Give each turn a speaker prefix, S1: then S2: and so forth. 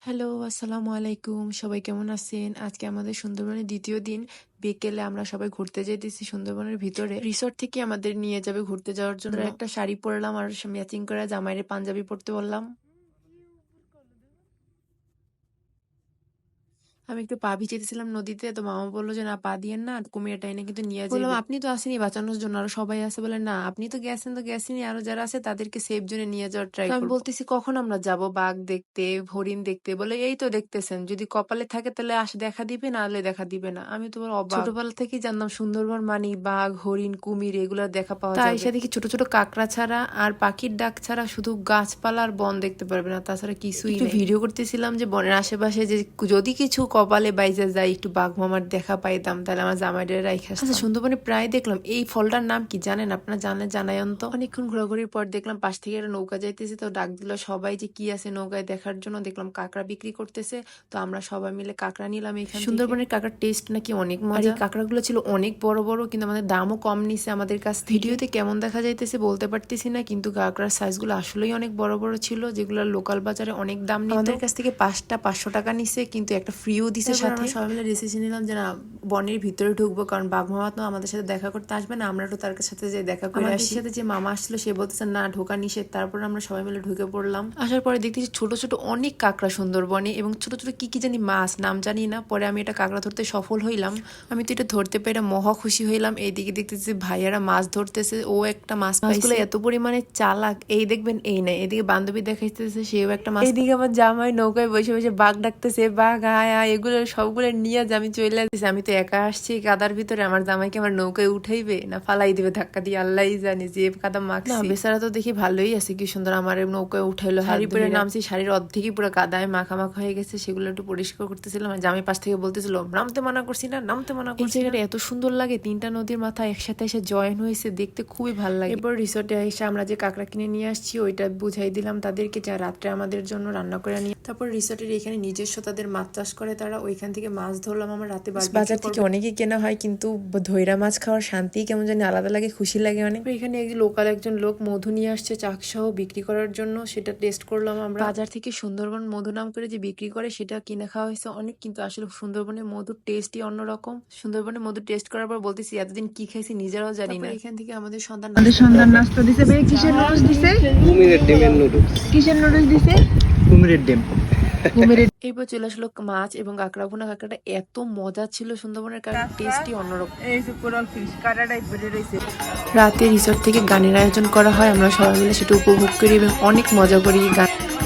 S1: Hello, আসসালামু আলাইকুম। সবাই কেমন আছেন? আজকে আমাদের সুন্দরবনের ২য় দিন। বিকেলে আমরা সবাই ঘুরতে যাইতেছি সুন্দরবনের ভিতরে। রিসোর্ট থেকে আমাদের নিয়ে যাবে ঘুরতে যাওয়ার জন্য। একটা শাড়ি পরলাম আর ম্যাচিং করা জামাইরে পাঞ্জাবি পরতে বললাম। আমি একটু পা ভিজাইতেছিলাম নদীতে, তো মামা বললো যে না পা দিয়েন না, কুমির টাইনে কিন্তু নিয়ে যাবে। বললাম আপনি তো আসেনি বাঁচানোর জন্য, আরো সবাই আছে। বলে না আপনি তো গেছেন, তো গেছেনই, আরো যারা আছে তাদেরকে সেফ জোনে নিয়ে যাওয়ার ট্রাই করব। আমি বলতেছি কখন আমরা যাব বাঘ দেখতে, হরিণ দেখতে? বলে এই তো দেখতেছেন, যদি কপালে থাকে তাহলে দেখা দিবে, না হলে দেখা দিবে না। আমি তো অবাক, ছোটবেলা থেকেই জানতাম সুন্দরবন মানে বাঘ, হরিণ, কুমির এগুলা দেখা পাওয়া যায়। তাই দেখি ছোট ছোট কাকড়া ছাড়া আর পাখির ডাক ছাড়া শুধু গাছপালা আর বন দেখতে পারবে না, তাছাড়া কিছুই নেই। ভিডিও করতেছিলাম যে বনের আশেপাশে যে যদি কিছু কপালে বাইজা যায়, একটু বাঘ মামার দেখা পাইতাম, তাহলে আমার জামাইদের রাইখা আসতাম। আচ্ছা, সুন্দরবনে প্রায় দেখলাম এই ফলটার নাম কি জানেন? আপনারা জানলে জানায়ন তো। অনেকক্ষণ ঘোরাঘুরির পর দেখলাম পাশ থেকে একটা নৌকা যাইতেছে, তো ডাক দিল সবাই যে কি আছে নৌকায় দেখার জন্য। দেখলাম কাঁকড়া বিক্রি করতেছে, তো আমরা সবাই মিলে কাঁকড়া নিলাম। এখানে সুন্দরবনের কাঁকড়ার টেস্ট নাকি অনেক মজা। এই কাঁকড়াগুলো ছিল অনেক বড় বড়, কিন্তু আমাদের দামও কম নিছে আমাদের কাছ। ভিডিওতে কেমন দেখা যাইতেছে বলতে পারতেছি না, কিন্তু কাঁকড়ার সাইজগুলো আসলেই অনেক বড় বড় ছিল, যেগুলো লোকাল বাজারে অনেক দাম নিত। আমাদের কাছ থেকে 5টা 500 টাকা নিছে, কিন্তু একটা ফ্রিও দিছে সাথে। আমরা সবাই মিলে ডিসিশন নিলাম যে না বনের ভিতরে ঢুকবো, কারণ বাঘ মামা তো আমাদের সাথে দেখা করতে আসবে না, আমরা তো তার সাথে যে দেখা করে আসি। সাথে যে মামা আসছিল সে বলতেছে না ঢোকা নিষেধ। তারপর আমরা সবাই মিলে ঢুকে পড়লাম। আসার পরে দেখতেছি ছোট ছোট অনেক কাঁকড়া সুন্দরবনে, এবং ছোট ছোট কি কি জানি মাছ, নাম জানি না। পরে আমি এটা কাঁকড়া ধরতে সফল হইলাম। আমি তো এটা ধরতে পেরে মহা খুশি হইলাম। এইদিকে দেখতেছি ভাইয়ারা মাছ ধরতেছে, ও একটা মাছ পাইছে। এত পরিমাণে চালাক, এই দেখবেন এই নাই, এদিকে বান্ধবী দেখাইতেছে সেও একটা মাছ, এইদিকে আমার জামাই নৌকায় বসে বসে বাঘ ডাকতেছে, বাঘ আয় আয়, এগুলো সবগুলো নিয়ে আমি চলে আসতেছি। আমি তো একা আসছি কাদার ভিতরে, আমার জামাইকে আমার নৌকায় উঠাইবে না ফালাই দিবে ধাক্কা দিয়ে, আল্লাহই জানে যে কাদা মাখছে। না বেচারা তো দেখি ভালোই আছে, কি সুন্দর আমার নৌকায় উঠাইলো। শাড়ি পরে নামছি, শাড়ির অর্ধেকই পুরো কাদায় মাখামাখা হয়ে গেছে, সেগুলো একটু পরিষ্কার করতেছিলাম। আর জামাই পাশ থেকে বলতেছিল নামতে মানা করছি না, নামতে মানা করছি। এই জায়গাটা এত সুন্দর লাগে, 3টা নদীর মাথা একসাথে এসে জয়েন হয়েছে, দেখতে খুবই ভালো লাগে। এরপর রিসোর্টে এসে আমরা যে কাঁকড়া কিনে নিয়ে আসছি ওইটা বুঝাই দিলাম তাদেরকে, যা রাত্রে আমাদের জন্য রান্না করে নিয়ে। তারপর রিসোর্টের এখানে নিজস্ব তাদের মাছ চাষ করে তারা, ওইখান থেকে মাছ ধরলাম আমরা রাতে। বাজার থেকে অনেকই কেনা হয়, কিন্তু ধৈরা মাছ খাওয়ার শান্তি কেমন জানি আলাদা লাগে, খুশি লাগে অনেক। এখানে লোকাল একজন লোক মধু নিয়ে আসছে চাকসহ বিক্রি করার জন্য, সেটা টেস্ট করলাম আমরা। বাজার থেকে সুন্দরবন মধু নাম করে যে বিক্রি করে সেটা কিনে খাওয়া হয়েছে অনেক, কিন্তু আসলে সুন্দরবনের মধুর টেস্টই অন্যরকম। সুন্দরবনের মধু টেস্ট করার পর বলতেছি এতদিন কি খাইছি নিজেরাও জানি না। এখান থেকে আমাদের সন্তান নাস্তা দিছে। ভাই কিসের নুডলস দিছে?
S2: কুমিরের ডিমের নুডলস।
S1: কিসের নুডলস দিছে?
S2: কুমিরের ডিম।
S1: এরপর চলে আসলো মাছ এবং কাঁকড়া ভুনা। কাঁকড়াটা এত মজা ছিল, সুন্দরবনের কাঁকড়ার টেস্টই অন্যরকম। রাতে রিসোর্ট থেকে গানের আয়োজন করা হয়, আমরা সবাই মিলে সেটা উপভোগ করি এবং অনেক মজা করি গান।